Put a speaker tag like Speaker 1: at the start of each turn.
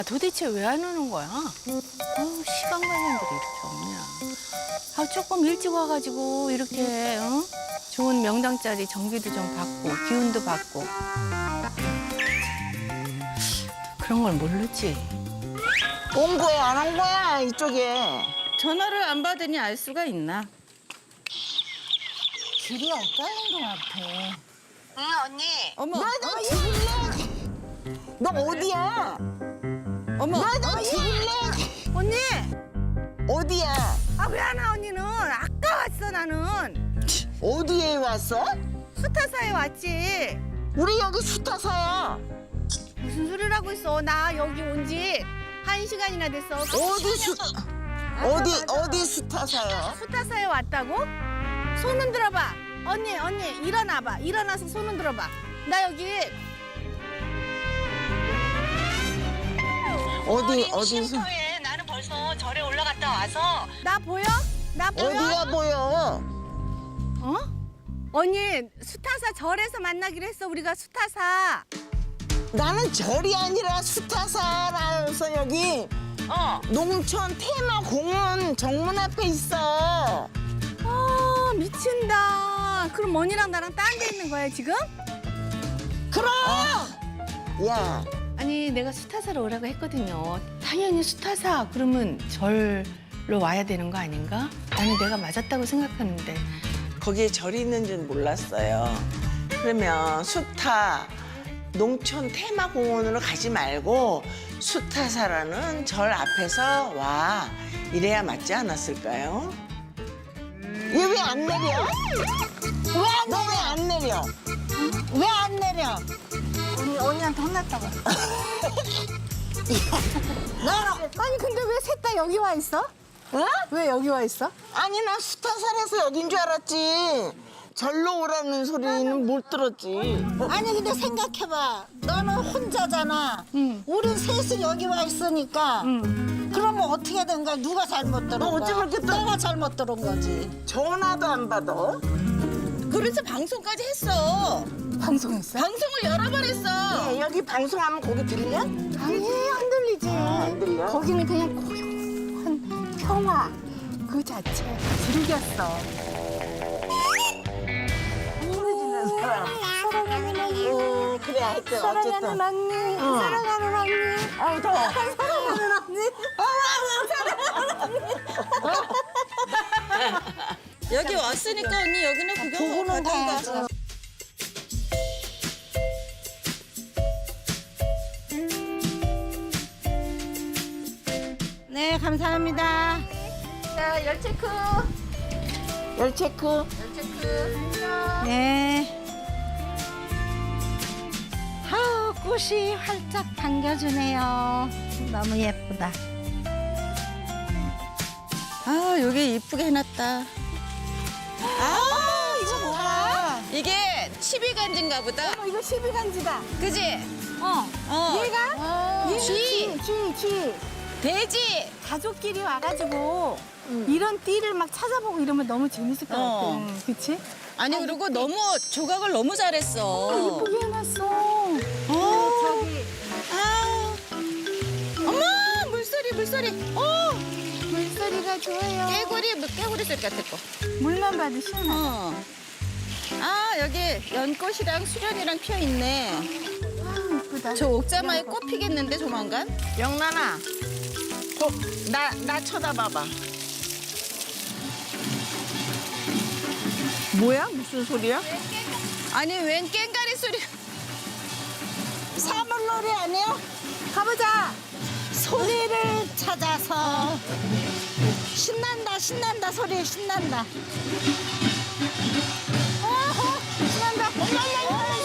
Speaker 1: 도대체 왜 안 오는 거야? 시간 관련들이 이렇게 없냐. 조금 일찍 와가지고 이렇게 좋은 명당 자리 정비도 좀 받고 기운도 받고 그런 걸 모르지.
Speaker 2: 온 거야, 안 온 거야, 이쪽에.
Speaker 1: 전화를 안 받으니 알 수가 있나?
Speaker 2: 길이 엇갈린 것 같아.
Speaker 3: 응, 언니.
Speaker 1: 어머,
Speaker 2: 너 죽을래? 너 어디야?
Speaker 1: 어머,
Speaker 2: 너 죽을래?
Speaker 1: 언니!
Speaker 2: 어디야?
Speaker 1: 왜 안 와, 언니는? 아까 왔어, 나는.
Speaker 2: 어디에 왔어?
Speaker 1: 수타사에 왔지.
Speaker 2: 우리 여기 수타사야.
Speaker 1: 무슨 소리를 하고 있어? 나 여기 온 지 1시간이나 됐어.
Speaker 2: 어디 수타사야?
Speaker 1: 수타사에 왔다고? 손 흔들어봐. 언니, 일어나봐. 일어나서 손 흔들어봐. 나 여기
Speaker 2: 어디서?
Speaker 3: 쉼터에 나는 벌써 절에 올라갔다 와서
Speaker 1: 나 보여? 나 보여?
Speaker 2: 어디가 보여?
Speaker 1: 어? 언니, 수타사 절에서 만나기로 했어. 우리가 수타사.
Speaker 2: 나는 절이 아니라 수타사라서 여기 농촌 테마공원 정문 앞에 있어.
Speaker 1: 미친다. 그럼 언니랑 나랑 딴 데 있는 거야, 지금?
Speaker 2: 그럼! 야,
Speaker 1: 아니, 내가 수타사로 오라고 했거든요. 당연히 수타사. 그러면 절로 와야 되는 거 아닌가? 나는 내가 맞았다고 생각하는데.
Speaker 4: 거기에 절이 있는 줄 몰랐어요. 그러면 수타 농촌 테마공원으로 가지 말고 수타사라는 절 앞에서 와. 이래야 맞지 않았을까요?
Speaker 2: 얘 왜 안 내려? 너 왜 안 내려? 왜 안 내려?
Speaker 1: 언니한테 혼났다고. 아니, 근데 왜 셋 다 여기 와 있어?
Speaker 2: 어?
Speaker 1: 왜 여기 와 있어?
Speaker 2: 아니, 나 수타사라서 여긴 줄 알았지. 절로 오라는 소리는 못 들었지.
Speaker 5: 아니 근데 생각해봐. 너는 혼자잖아.
Speaker 1: 응.
Speaker 5: 우린 셋이 여기 와 있으니까. 그러면 어떻게 된 거야? 누가 잘못 들은
Speaker 2: 너
Speaker 5: 거야?
Speaker 2: 어찌 그렇게 또-
Speaker 5: 내가 잘못 들은 거지.
Speaker 2: 전화도 안 받아.
Speaker 4: 그래서 방송까지 했어.
Speaker 1: 방송했어?
Speaker 4: 방송을 여러 번 했어.
Speaker 2: 여기 방송하면 거기 들려?
Speaker 1: 아니, 안 들리지.
Speaker 2: 안 들려?
Speaker 1: 거기는 그냥 고요한 평화 그 자체. 즐겼어.
Speaker 5: 사랑하는 언니.
Speaker 2: 그래, 하여튼
Speaker 5: 사랑하는
Speaker 2: 어쨌든.
Speaker 5: 언니. 사랑하는 언니.
Speaker 2: 아우, 더워.
Speaker 5: 사랑하는 언니.
Speaker 4: 여기 왔으니까 언니 여기는 구경 가던가.
Speaker 5: 네 감사합니다.
Speaker 1: 자, 열 체크.
Speaker 2: 열 체크.
Speaker 1: 열 체크.
Speaker 5: 네. 아우 꽃이 활짝 반겨주네요. 너무 예쁘다.
Speaker 4: 아 여기 이쁘게 해놨다. 아 이거 뭐야? 이게 치비간지인가 보다.
Speaker 1: 이거 12간지다.
Speaker 4: 그지?
Speaker 1: 얘가?
Speaker 4: 쥐.
Speaker 1: 쥐.
Speaker 4: 돼지.
Speaker 1: 가족끼리 와가지고 이런 띠를 막 찾아보고 이러면 너무 재밌을 것
Speaker 4: 어.
Speaker 1: 같아. 그치?
Speaker 4: 아니 그리고 너무 조각을 너무 잘했어.
Speaker 1: 예쁘게 해놨어.
Speaker 4: 저기. 아. 어머 물소리.
Speaker 1: 물소리가 좋아요.
Speaker 4: 깨구리 소리 같은 거.
Speaker 1: 물만 봐도 시원하다.
Speaker 4: 아 여기 연꽃이랑 수련이랑 피어 있네.
Speaker 1: 예쁘다.
Speaker 4: 저 옥자마에 꽃 피겠는데 조만간?
Speaker 2: 영란아, 나 쳐다봐봐. 뭐야? 무슨 소리야?
Speaker 4: 아니 웬 깽가리 소리?
Speaker 5: 사물놀이 아니야?
Speaker 1: 가보자.
Speaker 5: 소리를 찾아서 신난다 소리 신난다.
Speaker 1: 신난다.